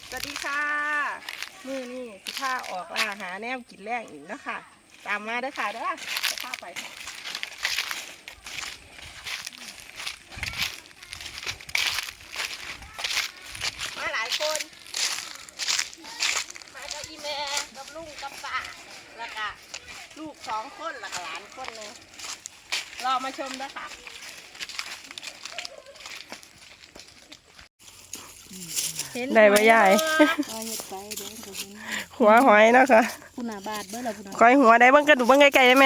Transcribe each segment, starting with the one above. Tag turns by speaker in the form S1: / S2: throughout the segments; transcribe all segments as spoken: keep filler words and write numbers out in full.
S1: สวัสดีค่ะมือนี่สิผ้าออกล่าหาแนวกินแรงอีกนะคะตามมาเด้อค่ะเด้อจะพาไปมาหลายคนมากับอีแม่กับลุงกับป้าแล้วก็ลูกสองคนแล้วก็หลานคนหนึ่งรอมาชมเด้อค่ะได้ปะยายหัวหอยนะคะคุณอาบาดเบ้อเราคุณอาคอยหัวได้บ้างกระดูกบ้างไกลๆได้ไหม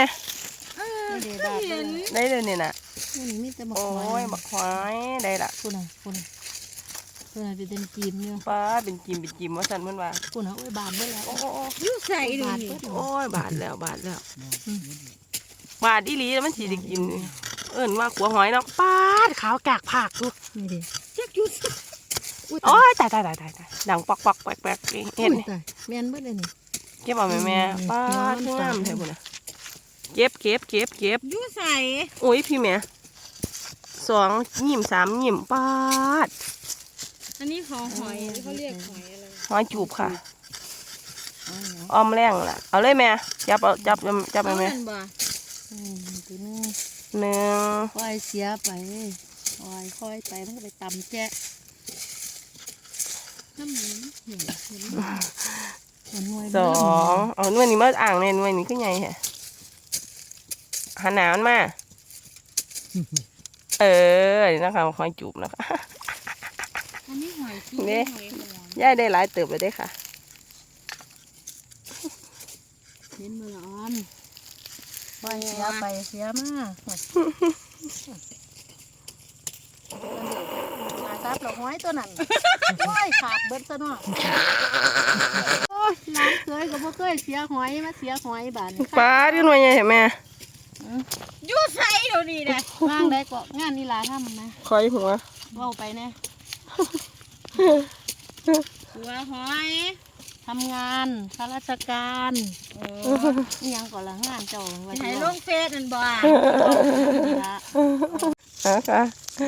S1: ได้เลยนี่น่ะโอ้ยบักหอยได้ละ
S2: คุณอาคุณคุณอาเป็นจีมเนี่ย
S1: ป้าเป็นจิมเป็นจิมว่าสันเมื่อวาน
S2: คุณอาโอ้ยบาดเบ้อแล้ว
S1: โอ้โอ้
S2: ยุ่ใส่ดู
S1: โอ้ยบาดแล้วบาดแล้วบาดอีหลีแล้วมันสีได้กินเอิ้นว่าหัวหอยเนาะป้าขาวกากผักดู
S2: นี่ดิเจ๊กยุ่
S1: โอ้ยตายตายตายตายดังปอกปอกแปลกแปลกเห็นไหม
S2: แม่นเบ้อเลยนี่
S1: เก็บเอาไหมแม่ป้าทุ่งงามแท้บุญนะเก็บเก็บเก็บเก็บ
S2: ยุ่ใส่
S1: โอ้ยพี่แม่สองยิ้มสามยิ้มป้าด
S2: อันนี้ของหอยเขาเรียกหอยอะไร
S1: หอยจูบค่ะอ้อมแรงล่ะเอาเลยแม่จับเอาจับจับไปแม่
S2: ตัวนึง
S1: หนึ่ง
S2: ค่อยเสียไปค่อยค่อยไปมันก็ไปตำแจ๊ะน้ำหนึ่งเห็นเห็น
S1: สองเอาหน่วยนี้มาอ่างเนี่ยหน่วยนี้ขึ้นใหญ่แฮะหันหนาวมาเออนี่นะคะหอยจูบนะคะ
S2: อันนี้หอยจูบ
S1: นี่ย่ายได้หลายเติบเลยได้ค่ะ
S2: เห็นมืออ่อนไปเสียไปเสียมาขาซับหลอกหอยตัวนั้นโอ้ยขาดเบิดซะเนาะโอ้ยร้านเคยก็บ่เคยเสียหอยมาเสียหอยบาท
S1: ปลาที่หน่วยใหญ่เห็นไหม
S2: ยูใส่เดี๋ยวนี้นะว่างได้ก็งานนี่ลาทำนะ
S1: คอยหัว
S2: ว่าไปเนี่ยหัวหอยทำงานข้าราชการยังก่อนละงานเจ้าวันไหนลงเฟซนั่นบ่
S1: นะคะ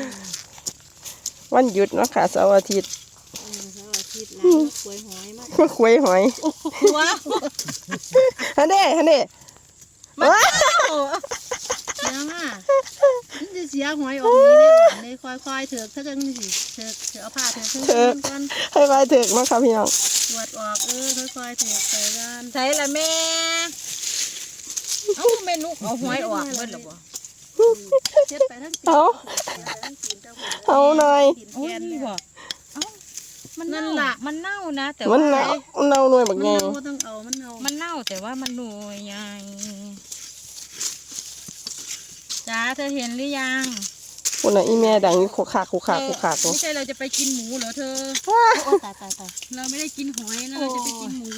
S1: วันหยุดเนาะค่ะเสาร์อาทิตย์
S2: เสาร์อาทิตย์แล้วคุยหอยมาก
S1: คุยหอย
S2: ว้าว
S1: ฮันเด้ฮันเด้
S2: ว้าวยังอ่ะมันจะเสียหอยออกนี้ได้หวานเลยค่อยๆเถือกถ้าเกิดนี่สิเถือกเถือกเอาผ้าเถือกเถือกกัน
S1: ให้ไปเถือกนะคะพี่น้อง
S2: ตรวจออกเออค่อยๆเถือกใส่กันใส่ละแม่เอ้าแม่นุกเอาหอยออกเบิ้ลหรอบ่เช็ดไปทั้งตี
S1: เอาเอาหน่อย
S2: โอ้ยบ่เอ้ามันนั่นล่ะมันเน่านะแต่
S1: ว่ามันเน่าเน่าหน่วยแบบไง
S2: มันต้องเอามันเน่ามันเน่าแต่ว่ามันหน่วยใหญ่จ้าเธอเห็นหรือยัง
S1: คนน่ะอีแม่ดังขู่ขาขู่ขาขู่ขา
S2: ไม่ใช่เราจะไปกินหมูเหรอเธอตายตายตายเราไม่ได้กินหอยนะเราจะไปกินหมู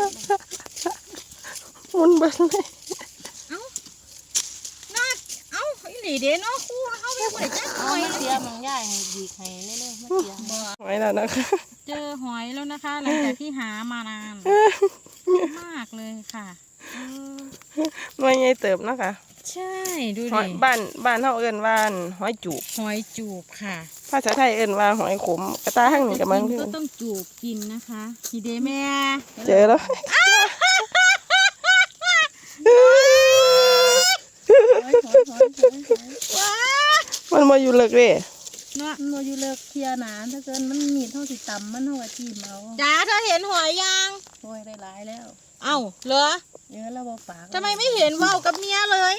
S1: มุนเบิ้ลเลย
S2: เอ้าน่าเอ้าไอ้หลีเด้เนาะคู่เขาไม่ไหวจ้าหอยเสียมันง่ายให้ดีให้เรื่อยๆไม่เสีย
S1: หอยแล้วนะคะ
S2: เจอหอยแล้วนะคะหลังจากที่หามานานมากเลยค่ะ
S1: หน่วยใหญ่เติบนะคะ
S2: ใช่ดูดิ
S1: บ้านบ้านเขาเอิ้นว่าหอยจูบ
S2: หอยจูบค่ะ
S1: ภาษาไทยเอิ้นว่าหอยขมกระตาหั่งนี่กับมัน
S2: ก็ต้องจูบกินนะคะทีเดแม่
S1: เจอแล้วมันมาอยู่เลิกเลย
S2: เนาะมันมาอยู่เลิกเคลียร์หนานถ้าเกินมันมีเท่าสิต่ำมันเท่าที่เมาจ้าเธอเห็นหอยยังหอยได้หลายแล้วเอ้าเหรอเยอะแล้วบ่ปากทำไมไม่เห็นว่าวกับเมียเลย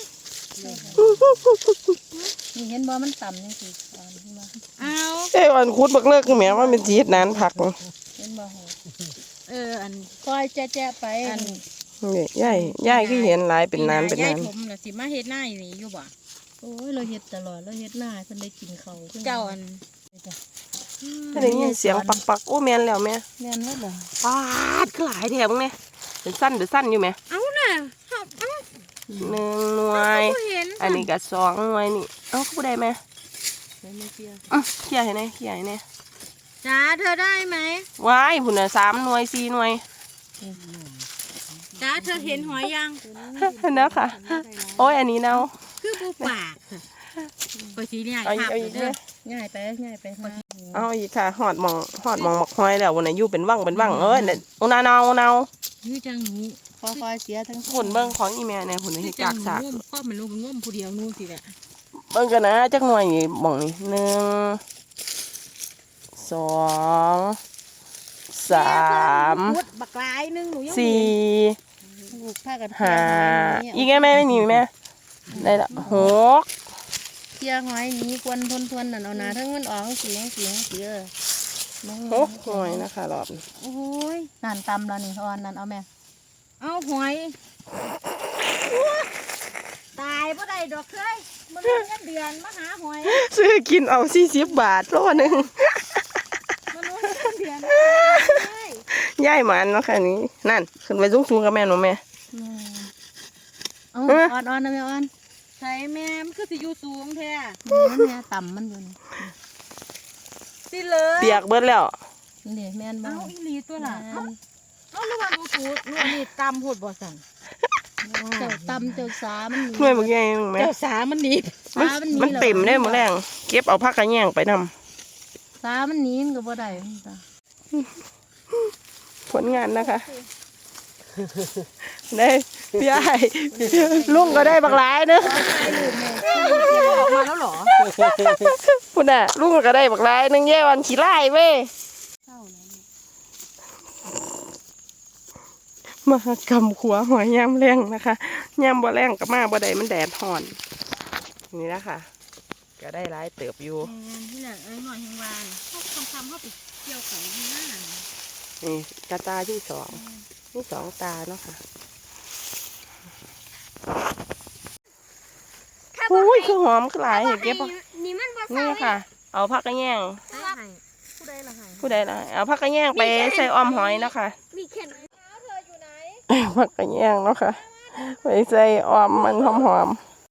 S2: นี่เห็นบ่มันต่ำยังสิอ่อนขึ้นมาเอา
S1: เอ้อ่อนคุดบักเลิกคือแม่ว่าเป็นจีดนานผัก
S2: เห็นบ่เอออันคอยแจ๊ะไปอัน
S1: นี่ย่ายย่ายก็เห็นหลายเป็นนานเป็นนาน
S2: ผมน่ะสิมาเฮ็ดหน้าอยู่นี่อยู่บ่โอ้ยเราเฮ็ดตลอดเราเฮ็ดหน้าเพิ่นได้กินเขาเจ้าอัน
S1: ถ้าได้ยินเสียงปักปักโอ้แม่นแล้วแม่
S2: แม่นแล้วเหรอ
S1: ปาดก็หลายแถวมึงเนี่ยเป็นสั้นหรือสั้นอยู่ไหม
S2: เอาน่ะ
S1: หนึ่งหน่วยอันนี้ก็สองหน่วยนี่เอ้าเขาได้ไหม
S2: ไม่เคี่ยว
S1: อ่ะเคี่ยวให้ไหนเคี่ยวให้ไหน
S2: จ้าเธอได้ไหม
S1: ว้ายผุนอ่ะสามหน่วยสี่หน่วย
S2: จ้าเธอเห็นหอยยัง
S1: เห็นแล้วค่ะโอ้ยอันนี้เน่า
S2: คือปูปากไปสีเนี่ย
S1: เอาอีกเอาอีกเนี่ย
S2: ง่ายไปง่ายไปหา
S1: เอาอีกค่ะหอดหมองหอดหมองหมกหอยแล้ววันไหนอยู่เป็นว่างเป็นว่างเอ้ยเนี่ยอุนาเนาเนา
S2: นี่จังหนูค่อยๆเสียทั้ง
S1: หุ่นเบิ้งของอีแม่เนี่ยหุ่นนี่กากสาก
S2: พ่อมันลูกง่วมผู้เดียวนู่นสิแหละ
S1: เบิ้งกันนะจักหน่วยนี่หมองนี่หนึ่งสองสาม
S2: บักลายนึงหนูยัง
S1: สี่
S2: ผ้ากัน
S1: ห้าอีกแม่แม่ไม่หนีแม่ได้ละหก
S2: เที่ยงหอยนี้ควนทนทวนนั่นเอาหนาทั้งมันออกเสียงเสียงเสีย
S1: หกหน่วยนะคะรอบ
S2: โอ้ยนั่นตำแล้วนี่อ่อนนั่นเอาแม่เอาหอยตายบ่ได้ดอกเคยมันเงินเดือนมาหาหอย
S1: ซื้อกินเอาสี่สิบบาทโลหนึ่ง
S2: มันเงินเดือน
S1: ย่ายมันเนาะค่ะนี้นั่นขึ้นไปสูงสูงๆกับแม่หนูแม่
S2: เอาอ่อนอ่อนนะแม่อ่อนใส่แม่มันคือสิอยู่สูงแท้มันแม่ต่ำมันอยู่นี่สิเลย
S1: เปียกเบิดแล้ว
S2: นี่แม่นบ้างเอาอีหลีตัวละเอาระวังดูตูดนู่นนี่ต่ำโหดบ่สั่นเจ้าต่ำเจ้าสามัน
S1: หน่วยบางอย่างแม่
S2: เจ้าสามันหนี
S1: มันมันเต็มได้หมดแรงเก็บเอาผักกระแยงไปนำ
S2: สามันหนีมันก็บ่ได้
S1: ผลงานนะคะได้พี่ไอ้ลุงก็ได้บักหลายเนอะ
S2: ออกมาแล้วเหรอ
S1: คุณน่ะลุงก็ได้บักหลายนึงแย่วันขี้ไล่เว้ยมากำขัวหัวยามแรงนะคะยามบ่แรงกับมาบ่ได้มันแดดห่อนนี่นะคะก็ได้หลายเติบอยู่
S2: ที่แหละเอ้ยหน่อยแหงวานเขาคำคำเขาไปเกี่ยวเขาที่หน้า
S1: นี่ตาตาที่สองนี่สองตาเนาะค่ะอุ้ยคือหอมคือหลายเห็นเก็บป่ะ
S3: นี่มันบ่
S1: นี่ค่ะ เอาผักกระแยง
S2: ผู้ใดละหาย
S1: ผู้ใดล่ะเอาผักกระแยงไปใส่อ้อมหอยเนาะค่ะ
S3: มีเข็น
S1: ผักกระแยงเนาะค่ะไปใส่อ้อมมันหอมๆ